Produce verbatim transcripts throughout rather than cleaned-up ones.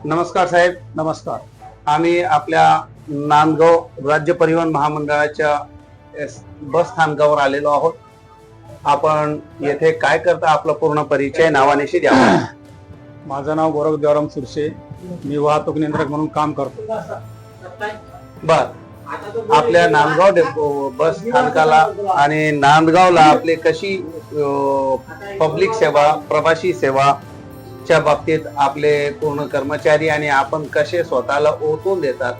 नमस्कार साहेब. नमस्कार. आम्ही आपल्या नांदगाव राज्य परिवहन महामंडळाच्या बस स्थानकावर आलेलो आहोत. आपण येथे काय करता, आपला पूर्ण परिचय नावानिशी द्या. माझं नाव गोरख देवराम सुरशे, मी वाहतूक नियंत्रक म्हणून काम करतो. बर, आपल्या नांदगाव डेपो बस स्थानकाला आणि नांदगावला आपले कशी पब्लिक सेवा, प्रवासी सेवा च्या बाबतीत आपले पूर्ण कर्मचारी आणि आपण कसे स्वतःला ओतून देतात?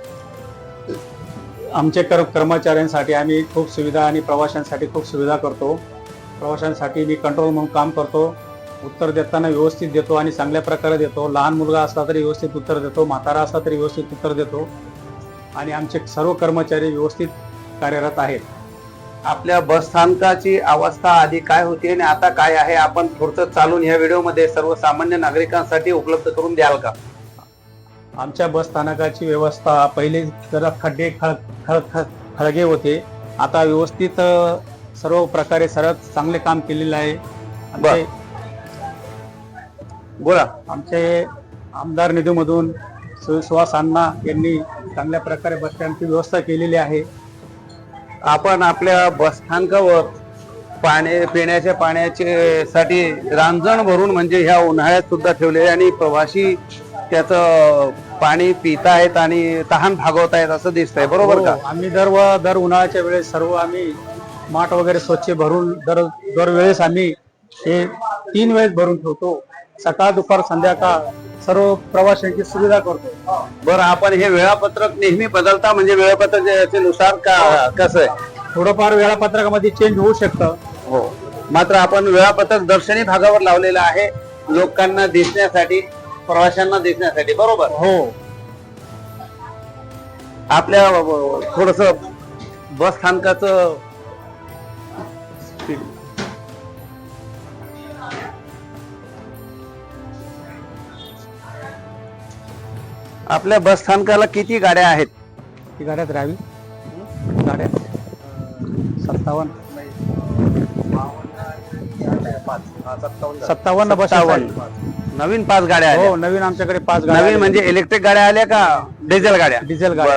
आमचे कर कर्मचाऱ्यांसाठी आम्ही खूप सुविधा आणि प्रवाशांसाठी खूप सुविधा करतो. प्रवाशांसाठी मी कंट्रोल म्हणून काम करतो. उत्तर देताना व्यवस्थित देतो आणि चांगल्या प्रकारे देतो. लहान मुलगा असला तरी व्यवस्थित उत्तर देतो, म्हातारा असला तरी व्यवस्थित उत्तर देतो आणि आमचे सर्व कर्मचारी व्यवस्थित कार्यरत आहेत. आपल्या बस स्थानकाची अवस्था आधी काय होती आणि आता काय आहे, आपण थोडं चालून या व्हिडिओमध्ये सर्वसामान्य नागरिकांसाठी उपलब्ध करून द्याल का? आमच्या बस स्थानकाची व्यवस्था पहिले जरा खड्डे खळ खळ खळगे होते, आता व्यवस्थित सर्व प्रकारे सर्व चांगले काम केलेले आहे. आमचे बोला. आमचे आमदार निधीमधून सुहास अण्णा यांनी चांगल्या प्रकारे बस स्टँडची व्यवस्था केलेली आहे. आपण आपल्या बस स्थानकावर पाणी पिण्याच्या पाण्याचे साठी रांजण भरून म्हणजे ह्या उन्हाळ्यात सुद्धा ठेवले आणि प्रवासी त्याचं पाणी पित आहेत आणि तहान भागवत आहेत असं दिसतंय, बरोबर का? आम्ही दर व दर उन्हाळ्याच्या वेळेस सर्व आम्ही माठ वगैरे स्वच्छ भरून दर दरवेळेस आम्ही हे तीन वेळेस भरून ठेवतो. सकाळ, दुपार, संध्याकाळ सर्व प्रवाशांची सुविधा करतो. बरं, आपण हे वेळापत्रक नेहमी बदलता म्हणजे वेळापत्रकानुसार का कसं आहे? थोडंफार वेळापत्रकामध्ये चेंज होऊ शकतं. हो, मात्र आपण वेळापत्रक दर्शनी भागावर लावलेलं आहे, लोकांना दिसण्यासाठी, प्रवाशांना दिसण्यासाठी, बरोबर? हो. आपल्या थोडस बस स्थानकाचं आपल्या बस स्थानकाला किती गाड्या आहेत? ती गाड्यात राहावी गाड्या सत्तावन्न सत्तावन्न बस नवीन पाच गाड्या आहेत. हो, नवीन आमच्याकडे पाच गाड्या. नवीन म्हणजे इलेक्ट्रिक गाड्या आल्या का डिझेल गाड्या? डिझेल गाड्या.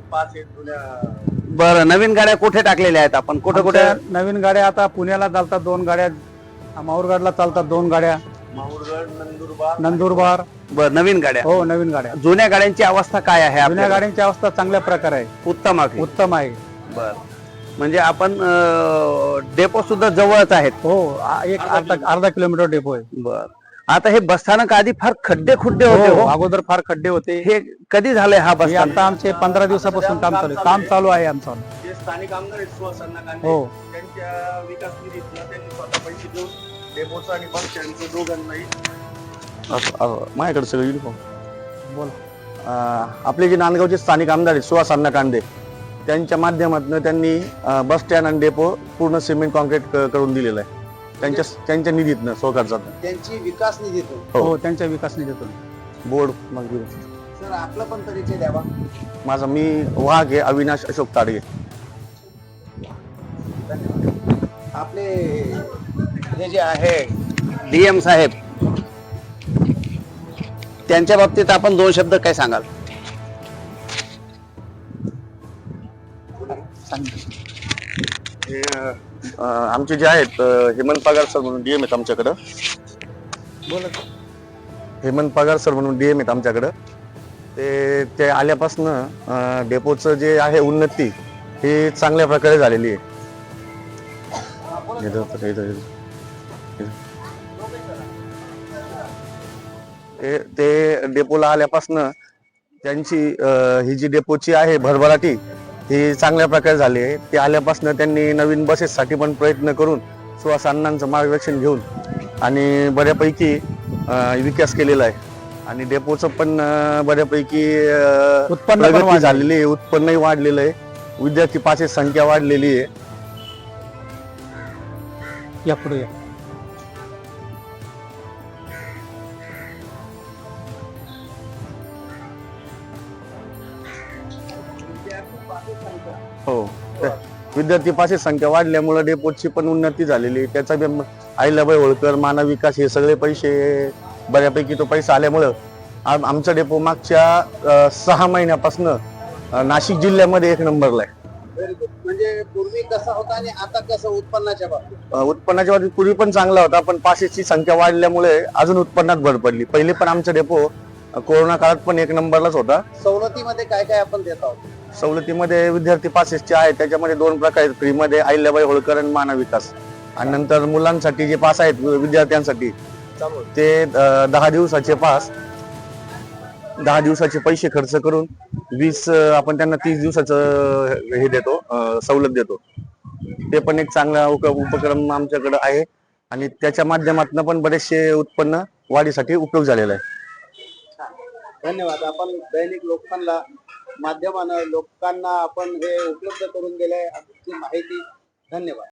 बरं, नवीन गाड्या कुठे टाकलेल्या आहेत आपण? कुठे कुठे नवीन गाड्या? आता पुण्याला चालतात दोन गाड्या, माहूरगडला चालतात दोन गाड्या, नंदुरबार नंदुरबार. बर, नवीन गाड्या. हो, नवीन गाड्या. जुन्या गाड्यांची अवस्था काय आहे? जुन्या गाड्यांची अवस्था चांगल्या प्रकारे आहे, उत्तम आहे. उत्तम आहे. बर, म्हणजे आपण डेपो सुद्धा जवळच आहेत. हो, एक अर्धा अर्धा किलोमीटर डेपो आहे. बर, आता हे बसस्थानक आधी फार खड्डे खुड्डे होते. हो, अगोदर फार खड्डे होते. हे कधी झालंय हा बस? आता आमचे पंधरा दिवसापासून काम चालू आहे. काम चालू आहे आमचं. स्थानिक आमदार आहेत सुहास अण्णा कांदे, हो, त्यांच्या विकास निधीतून त्यांनी स्वतः पैसे देऊन डेपोचं आणि बस स्टँडचं दोघांनाही माझ्याकडे सगळं युनिफॉर्म. बोला. आपले जे नांदगावचे स्थानिक आमदार आहेत सुहास अण्णा कांदे, त्यांच्या माध्यमातून त्यांनी बस स्टँड आणि डेपो पूर्ण सिमेंट कॉन्क्रीट करून दिलेलं आहे. त्यांच्या त्यांच्या निधीतनं स्वखर्चात. त्यांची विकास निधीतून. हो, त्यांच्या विकास निधीतून. बोर्ड मंजूर. सर, आपला पण परिचय द्यावा. माझा मी वाघ आहे, अविनाश अशोक ताडगे. आपले हे जे आहे डीएम साहेब, त्यांच्या बाबतीत आपण दोन शब्द काय सांगाल? हे आमचे जे आहेत हेमंत पगार सर म्हणून डीएम आहेत आमच्याकडं. बोला. हेमंत पगार सर म्हणून डीएम आहेत आमच्याकडं. ते ते आल्यापासनं डेपोचं जे आहे उन्नती ही चांगल्या प्रकारे झालेली आहे. ते ते डेपोला आल्यापासनं त्यांची ही जी डेपोची आहे भरभराटी ही चांगल्या प्रकारे झाली आहे. ते आल्यापासनं त्यांनी नवीन बसेससाठी पण प्रयत्न करून सुहास अण्णांचं मार्गदर्शन घेऊन आणि बऱ्यापैकी विकास केलेला आहे आणि डेपोचं पण बऱ्यापैकी उत्पन्न झालेली आहे, उत्पन्नही वाढलेलं आहे, विद्यार्थी पाचची संख्या वाढलेली आहे. या पुढे या. हो, विद्यार्थी पाचशे संख्या वाढल्यामुळे डेपोची पण उन्नती झालेली. त्याचा बी अहिल्याबाई होळकर, मानव विकास हे सगळे पैसे बऱ्यापैकी तो पैसा आल्यामुळं आम- आमचा डेपो मागच्या अ, सहा महिन्यापासून नाशिक जिल्ह्यामध्ये एक नंबरला आहे. म्हणजे पूर्वी कसा होता आणि आता कसं उत्पन्नाच्या बाबतीत? अ, उत्पन्नाच्या बाबतीत पूर्वी पण चांगला होता, पण पासेसची संख्या वाढल्यामुळे अजून उत्पन्नात भर पडली. पहिले पण आमचा डेपो अ, कोरोना काळात पण एक नंबरलाच होता. सवलतीमध्ये काय काय आपण देत आहोत? सवलतीमध्ये विद्यार्थी पासेसचे आहेत, त्याच्यामध्ये दोन प्रकार आहेत. फ्रीमध्ये अहिल्याबाई होळकर आणि मानव विकास, आणि नंतर मुलांसाठी जे पास आहेत विद्यार्थ्यांसाठी ते अ, दहा दिवसाचे पास, दहा दिवसाचे पैसे खर्च करून वीस अ, आपण त्यांना तीस दिवसाचं अ, हे देतो, अ, सवलत देतो. ते पण एक चांगला उप- उपक्रम आमच्याकडे आहे आणि त्याच्या माध्यमातून पण बरेचसे उत्पन्न वाढीसाठी उपयोग झालेला आहे. धन्यवाद. आपण दैनिक लोकांना माध्यमानं लोकांना आपण हे उपलब्ध करून दिलंय, माहिती. धन्यवाद.